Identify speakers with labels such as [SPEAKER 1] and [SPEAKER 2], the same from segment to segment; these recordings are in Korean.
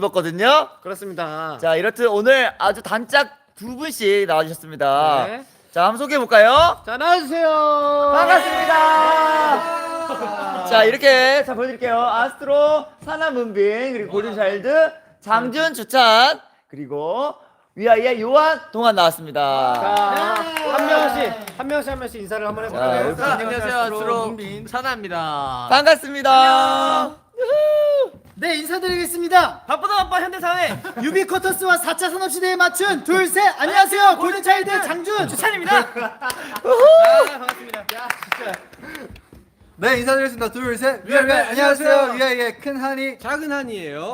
[SPEAKER 1] 입었거든요.
[SPEAKER 2] 그렇습니다.
[SPEAKER 1] 자, 이렇듯 오늘 아주 단짝 두 분씩 나와주셨습니다.
[SPEAKER 2] 네.
[SPEAKER 1] 자, 한번 소개해볼까요?
[SPEAKER 2] 자, 나와주세요.
[SPEAKER 1] 반갑습니다. 자, 이렇게 자 보여드릴게요. 아스트로, 사나 문빈, 그리고 골든차일드, 장준, 주찬, 그리고 위아이의 요한, 동안 나왔습니다.
[SPEAKER 2] 자, 한 명씩 인사를 한번 해볼까요?
[SPEAKER 1] 자,
[SPEAKER 3] 안녕하세요. 아스트로 사나입니다.
[SPEAKER 1] 반갑습니다.
[SPEAKER 4] 네, 인사드리겠습니다.
[SPEAKER 3] 바쁘다 바빠 현대사회
[SPEAKER 4] 유비쿼터스와 4차 산업시대에 맞춘 둘, 셋! 안녕하세요. 골든차일드 장준!
[SPEAKER 3] 주찬입니다.
[SPEAKER 2] 반갑습니다.
[SPEAKER 5] 네, 인사드리겠습니다. 둘, 셋. 안녕하세요. 위아이의 큰 한이.
[SPEAKER 3] 작은 한이에요.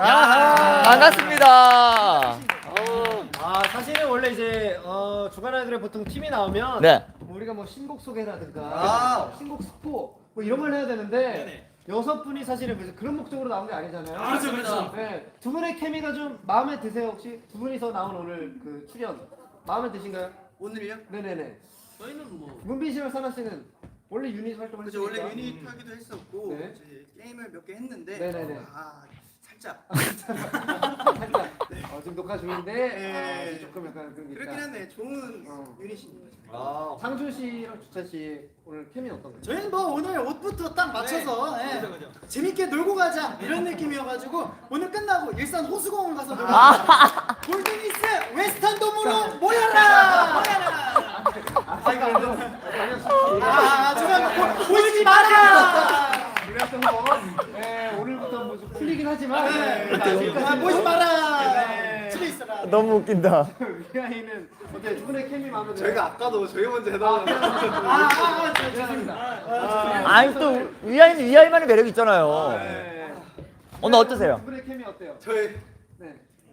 [SPEAKER 1] 반갑습니다.
[SPEAKER 2] 사실은 원래 이제 주간 아이돌에 보통 팀이 나오면
[SPEAKER 1] 네.
[SPEAKER 2] 우리가 뭐 신곡 소개라든가 신곡 스포 뭐 이런 걸 해야 되는데 여섯 분이 사실은 그런 목적으로 나온 게 아니잖아요.
[SPEAKER 3] 그렇죠.
[SPEAKER 2] 네, 두 분의 케미가 좀 마음에 드세요 혹시? 두 분이서 나온 오늘 그 출연 마음에 드신가요?
[SPEAKER 5] 오늘이요?
[SPEAKER 2] 네네네.
[SPEAKER 3] 저희는 뭐
[SPEAKER 2] 문빈 씨랑 사나 씨는 원래 유닛 활동을
[SPEAKER 5] 그죠, 원래
[SPEAKER 2] 했으니까.
[SPEAKER 5] 유닛 하기도 했었고
[SPEAKER 2] 네.
[SPEAKER 5] 이제 게임을 몇 개 했는데
[SPEAKER 2] 네네네.
[SPEAKER 5] 살짝
[SPEAKER 2] 살짝 지금 녹화 중인데
[SPEAKER 5] 네.
[SPEAKER 2] 조금 약간 그런 게
[SPEAKER 5] 그렇긴
[SPEAKER 2] 있다.
[SPEAKER 5] 한데 좋은 유닛입니다.
[SPEAKER 2] 상준 씨랑 주찬 씨 오늘 케미 어떤가요?
[SPEAKER 4] 저희는 뭐 오늘 옷부터 딱 맞춰서 재밌게 놀고 가자 이런 느낌이어가지고 오늘 끝나고 일산 호수공원 가서 놀고 가자. 골든이스 웨스턴 돔으로 모여라! 정말 보지 마라!
[SPEAKER 2] 그랬던 거 오늘부터 뭐 좀 풀리긴 하지만
[SPEAKER 4] 보지 마라! 집에 있어라!
[SPEAKER 1] 너무 웃긴다.
[SPEAKER 2] 위아이는 어때? 두 분의 케미 마음에 들어요?
[SPEAKER 5] 저희가 아까도 저희 먼저 해달라고
[SPEAKER 2] 죄송합니다.
[SPEAKER 1] 아니, 또 위아이는 위아이만의 매력이 있잖아요.
[SPEAKER 2] 네.
[SPEAKER 1] 오늘 어떠세요?
[SPEAKER 2] 두 분의 케미 어때요?
[SPEAKER 5] 저희
[SPEAKER 2] 네.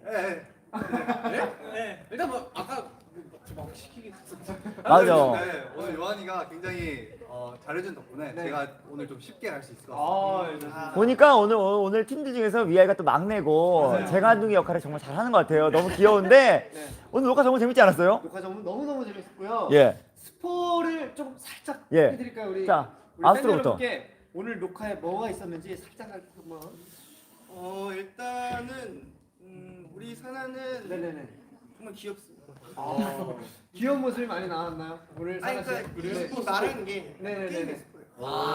[SPEAKER 3] 일단 뭐 아까 막 시키기
[SPEAKER 1] 맞아.
[SPEAKER 5] 네, 오늘 요한이가 굉장히 잘해준 덕분에
[SPEAKER 2] 네.
[SPEAKER 5] 제가 오늘 좀 쉽게 할 수 있을 것 같습니다.
[SPEAKER 2] 좋습니다.
[SPEAKER 1] 보니까 오늘 팀들 중에서 위아이가 또 막내고 재간둥이 역할을 정말 잘하는 것 같아요. 너무 귀여운데
[SPEAKER 2] 네.
[SPEAKER 1] 오늘 녹화 정말 재밌지 않았어요?
[SPEAKER 2] 녹화 정말 너무너무 재밌었고요.
[SPEAKER 1] 예.
[SPEAKER 2] 스포를 좀 살짝
[SPEAKER 1] 예.
[SPEAKER 2] 해드릴까요? 우리
[SPEAKER 1] 자,
[SPEAKER 2] 우리
[SPEAKER 1] 아스트로부터.
[SPEAKER 2] 팬 여러분께 오늘 녹화에 뭐가 있었는지 살짝 한번.
[SPEAKER 5] 일단은 우리 사나는
[SPEAKER 2] 네네네.
[SPEAKER 5] 정말 귀엽습니다.
[SPEAKER 2] 귀여운 모습이 많이 나왔나요? 오늘
[SPEAKER 5] 아니
[SPEAKER 2] 사나 씨.
[SPEAKER 5] 그러니까 그 말하는 게
[SPEAKER 2] 네네네네.
[SPEAKER 5] 게임에서 보여요.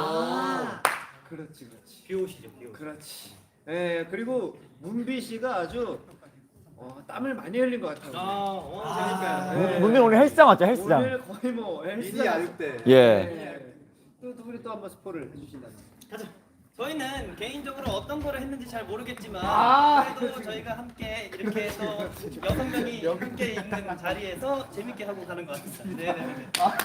[SPEAKER 2] 그렇지.
[SPEAKER 3] 비오시죠 비오.
[SPEAKER 2] 그렇지. 네 그리고 문비 씨가 아주 땀을 많이 흘린 것 같아요.
[SPEAKER 3] 재밌어요.
[SPEAKER 2] 네.
[SPEAKER 1] 문빈 오늘 헬스장 왔죠, 헬스장.
[SPEAKER 2] 오늘 거의 뭐
[SPEAKER 5] 미니
[SPEAKER 2] 헬스장.
[SPEAKER 5] 아육 때.
[SPEAKER 1] 예.
[SPEAKER 2] 또두 분이 또 한번 스포를 해주신다면.
[SPEAKER 6] 저희는 개인적으로 어떤 거를 했는지 잘 모르겠지만
[SPEAKER 2] 아,
[SPEAKER 6] 그래도 저희가 함께 이렇게 해서 6명이 함께 있는 자리에서 재밌게 하고 가는 것 같습니다. 네네네.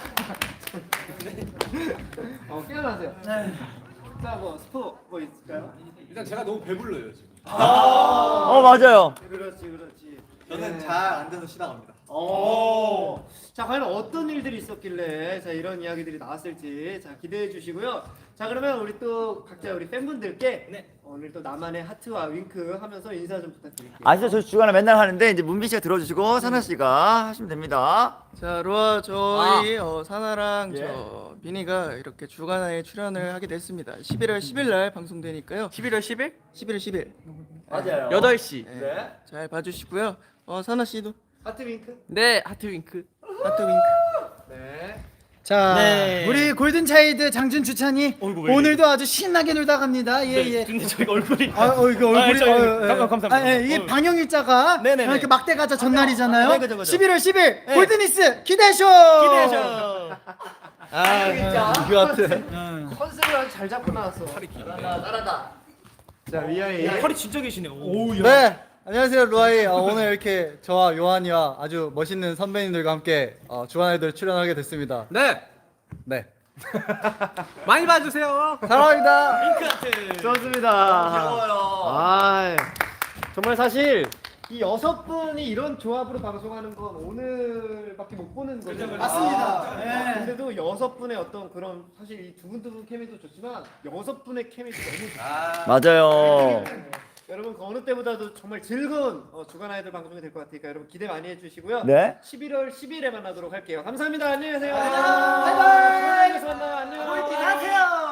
[SPEAKER 2] 깨어나세요. 자, 뭐 스포 뭐 있을까요?
[SPEAKER 3] 일단 제가 너무 배불러요 지금.
[SPEAKER 1] 맞아요.
[SPEAKER 2] 그렇지.
[SPEAKER 5] 저는 잘 앉아서 쉬다 갑니다.
[SPEAKER 2] 자, 과연 어떤 일들이 있었길래 자 이런 이야기들이 나왔을지 자 기대해 주시고요. 자, 그러면 우리 또 각자 우리 팬분들께 오늘 또 나만의 하트와 윙크 하면서 인사 좀 부탁드릴게요.
[SPEAKER 1] 아시죠? 저 주간에 맨날 하는데 이제 문빈 씨가 들어주시고 사나 씨가 하시면 됩니다.
[SPEAKER 7] 자, 로아 저희 사나랑
[SPEAKER 1] 예.
[SPEAKER 7] 저 비니가 이렇게 주간에 출연을 하게 됐습니다. 11월 10일 날 방송되니까요.
[SPEAKER 3] 11월 10일
[SPEAKER 7] 11월 10일.
[SPEAKER 1] 맞아요.
[SPEAKER 3] 8시.
[SPEAKER 1] 네.
[SPEAKER 7] 잘 봐주시고요. 사나 씨도
[SPEAKER 2] 하트 윙크.
[SPEAKER 3] 네 하트 윙크.
[SPEAKER 7] 하트 윙크.
[SPEAKER 2] 네.
[SPEAKER 4] 자,
[SPEAKER 3] 네.
[SPEAKER 4] 우리 골든차일드 장준 주찬이
[SPEAKER 3] 어이구, 왜
[SPEAKER 4] 오늘도 아주 신나게 놀다 갑니다. 예.
[SPEAKER 3] 근데 저희가 얼굴이
[SPEAKER 4] 이거 얼굴이
[SPEAKER 3] 감사합니다.
[SPEAKER 4] 이게 방영일자가
[SPEAKER 3] 네네네.
[SPEAKER 4] 이렇게 막대 가자 전날이잖아요.
[SPEAKER 3] 네, 그죠.
[SPEAKER 4] 11월 10일 골든이스 기대쇼.
[SPEAKER 3] 기대하셔.
[SPEAKER 5] 이거 같은.
[SPEAKER 2] 컨셉을 아주 잘 잡고 나왔어. 따라다. 자, 위아이.
[SPEAKER 3] 허리 진짜 계시네요. 오.
[SPEAKER 5] 네, 안녕하세요 루아이. 오늘 이렇게 저와 요한이와 아주 멋있는 선배님들과 함께 주간 아이돌 출연하게 됐습니다.
[SPEAKER 3] 네.
[SPEAKER 5] 네,
[SPEAKER 3] 많이 봐주세요.
[SPEAKER 5] 사랑합니다.
[SPEAKER 3] 윙크 하트.
[SPEAKER 2] 좋습니다.
[SPEAKER 1] 귀여워요.
[SPEAKER 2] 정말 사실 이 6분이 이런 조합으로 방송하는 건 오늘밖에 못 보는 거죠.
[SPEAKER 4] 맞습니다. 네.
[SPEAKER 2] 근데도 6분의 어떤 그런 사실 이 두 분 케미도 좋지만 6분의 케미도 너무 좋아요.
[SPEAKER 1] 맞아요.
[SPEAKER 2] 여러분 그 어느 때보다도 정말 즐거운 주간 아이돌 방송이 될 것 같으니까 여러분 기대 많이 해주시고요.
[SPEAKER 1] 네.
[SPEAKER 2] 11월 10일에 만나도록 할게요. 감사합니다. 안녕히 계세요. 바이바이. 만나요. 안녕.
[SPEAKER 4] 기대하세요.